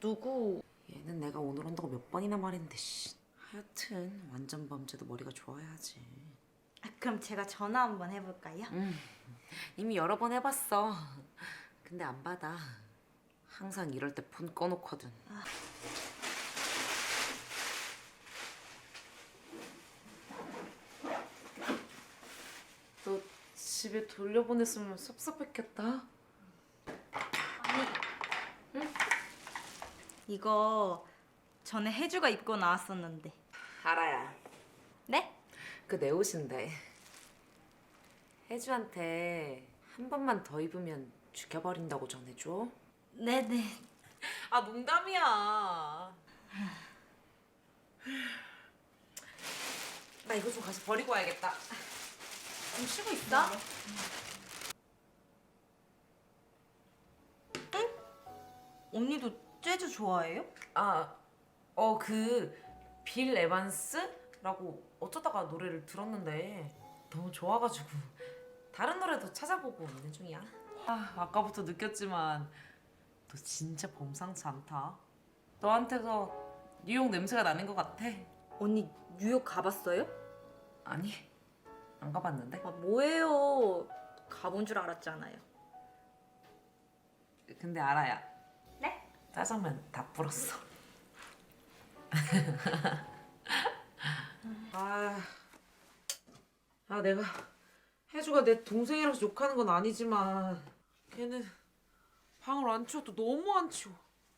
누구? 얘는 내가 오늘 온다고 몇 번이나 말했는데 씨. 하여튼 완전 범죄도 머리가 좋아야지. 그럼 제가 전화 한번 해볼까요? 이미 여러 번 해봤어. 근데 안 받아. 항상 이럴 때 폰 꺼놓거든. 너 집에 돌려보냈으면 섭섭했겠다. 이거 전에 혜주가 입고 나왔었는데. 알아야. 네? 그 내 옷인데. 혜주한테 한 번만 더 입으면 죽여버린다고 전해줘. 네네. 아 농담이야. 나 이거 좀 가서 버리고 와야겠다. 좀 쉬고 있어? 언니도 재즈 좋아해요? 그 빌 에반스라고 어쩌다가 노래를 들었는데 너무 좋아가지고 다른 노래도 찾아보고 있는 중이야. 아까부터 느꼈지만 너 진짜 범상치 않다. 너한테서 뉴욕 냄새가 나는 것 같아. 언니 뉴욕 가봤어요? 아니, 안 가봤는데. 뭐예요? 가본 줄 알았잖아요. 근데 알아야. 네? 짜장면 다 불었어. 내가 혜주가 내 동생이라서 욕하는 건 아니지만 걔는 방을 안 치워도 너무 안 치워.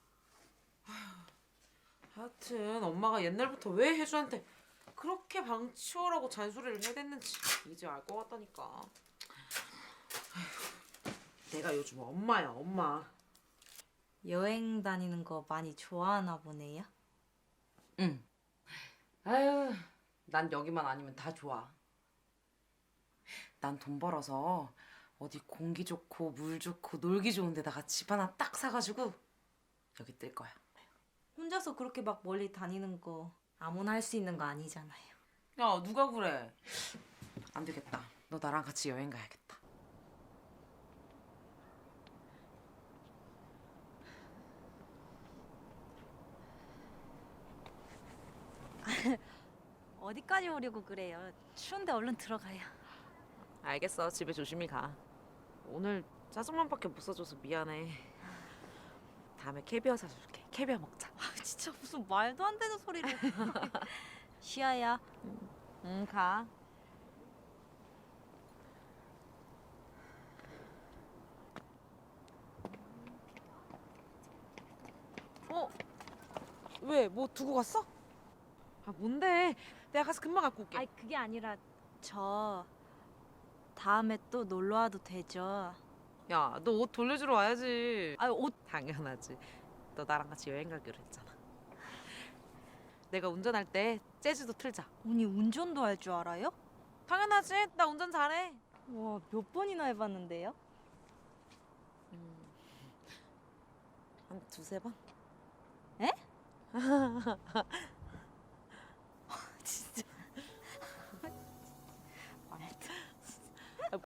하여튼 엄마가 옛날부터 왜 혜주한테 그렇게 방 치워라고 잔소리를 해댔는지 이제 알 것 같다니까. 내가 요즘 엄마야, 엄마. 여행 다니는 거 많이 좋아하나 보네요. 응. 아유, 난 여기만 아니면 다 좋아. 난 돈 벌어서 어디 공기 좋고 물 좋고 놀기 좋은 데다가 집 하나 딱 사가지고 여기 뜰 거야. 혼자서 그렇게 막 멀리 다니는 거 아무나 할 수 있는 거 아니잖아요. 야, 누가 그래? 안 되겠다. 너 나랑 같이 여행 가야겠다. 어디까지 오려고 그래요? 추운데 얼른 들어가요. 알겠어. 집에 조심히 가. 오늘 짜장면밖에 못 사줘서 미안해. 다음에 캐비어 사줄게. 캐비어 먹자. 진짜 무슨 말도 안 되는 소리를. 쉬어요. 응, 가. 왜? 뭐 두고 갔어? 뭔데? 내가 가서 금방 갖고 올게. 아니 그게 아니라 저 다음에 또 놀러 와도 되죠? 야, 너 옷 돌려주러 와야지. 옷 당연하지. 너 나랑 같이 여행 가기로 했잖아. 내가 운전할 때 재즈도 틀자. 언니 운전도 할 줄 알아요? 당연하지. 나 운전 잘해. 와, 몇 번이나 해봤는데요? 한 두세 번? 에?